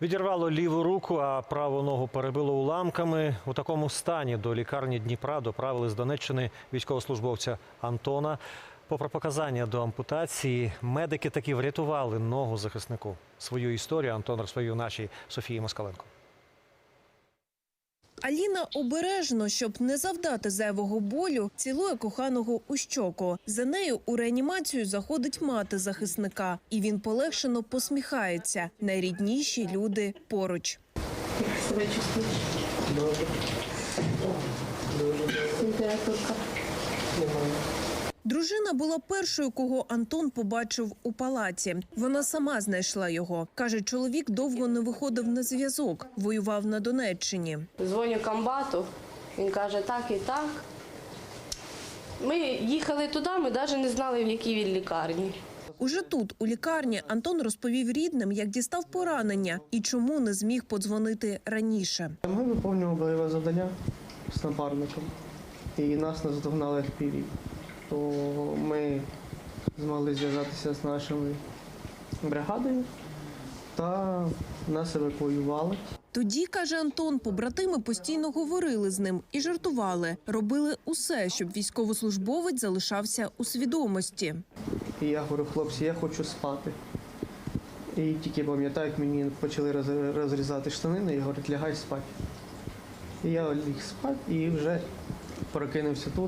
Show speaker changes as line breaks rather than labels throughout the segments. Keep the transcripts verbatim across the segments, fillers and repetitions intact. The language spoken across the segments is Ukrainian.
Відірвало ліву руку, а праву ногу перебило уламками. У такому стані до лікарні Дніпра доправили з Донеччини військовослужбовця Антона. Попри показання до ампутації, медики таки врятували ногу захиснику. Свою історію Антон розповів нашій Софії Москаленко.
Аліна обережно, щоб не завдати зайвого болю, цілує коханого у щоку. За нею у реанімацію заходить мати захисника. І він полегшено посміхається. Найрідніші люди поруч.
Як себе чувствуєш?
Добре. Дуже.
Температурка?
Немає.
Дружина була першою, кого Антон побачив у палаці. Вона сама знайшла його. Каже, чоловік довго не виходив на зв'язок, воював на Донеччині.
Дзвоню комбату, він каже так і так. Ми їхали туди, ми навіть не знали, в якій він лікарні.
Уже тут, у лікарні, Антон розповів рідним, як дістав поранення і чому не зміг подзвонити раніше.
Ми виконували бойове завдання з напарником, і нас наздогнали еф пі ві. То ми змогли зв'язатися з нашою бригадою та нас евакуювали.
Тоді, каже Антон, побратими постійно говорили з ним і жартували. Робили усе, щоб військовослужбовець залишався у свідомості.
І я говорю, хлопці, я хочу спати. І тільки пам'ятаю, як мені почали роз- розрізати штанини і говорять, лягай спати. І я ліг спати і вже прокинувся тут,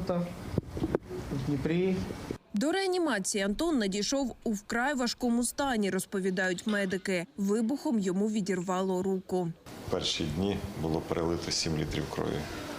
в Дніпрі.
До реанімації Антон надійшов у вкрай важкому стані, розповідають медики. Вибухом йому відірвало руку.
Перші дні було перелито сім літрів крові.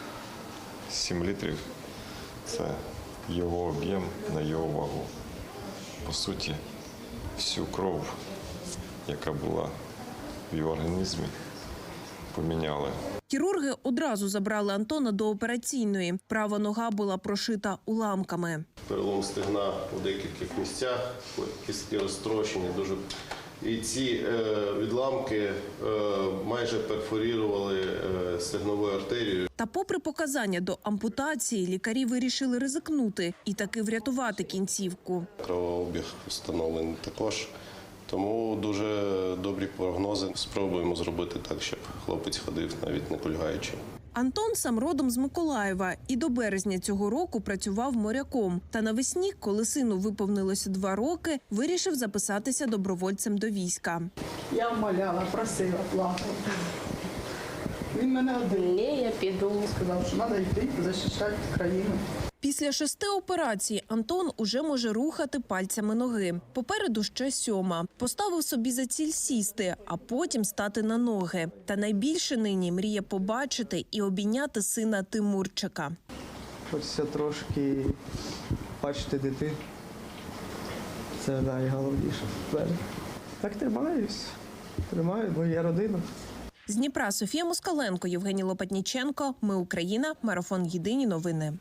сім літрів – це його об'єм на його вагу. По суті, всю кров, яка була в його організмі, поміняли.
Хірурги одразу забрали Антона до операційної. Права нога була прошита уламками.
Перелом стегна у деяких місцях, кістки розтрощені дуже. І ці е, відламки е, майже перфорірували е, стегнову артерію.
Та попри показання до ампутації, лікарі вирішили ризикнути і таки врятувати кінцівку.
Кровообіг встановлений також. Тому дуже добрі прогнози. Спробуємо зробити так, щоб хлопець ходив навіть не кульгаючи.
Антон сам родом з Миколаєва і до березня цього року працював моряком. Та навесні, коли сину виповнилося два роки, вирішив записатися добровольцем до війська.
Я вмоляла, просила, плакала. Він мене один
Ні, я піду.
сказав, що треба йти захищати країну.
Після шести операцій Антон уже може рухати пальцями ноги. Попереду ще сьома. Поставив собі за ціль сісти, а потім стати на ноги. Та найбільше нині мріє побачити і обійняти сина Тимурчика.
Хочеться трошки бачити дитину. Це найголовніше. Так тримаюсь. Тримаю, бо є родина.
З Дніпра Софія Москаленко, Євгеній Лопатніченко. Ми Україна. Марафон. Єдині новини.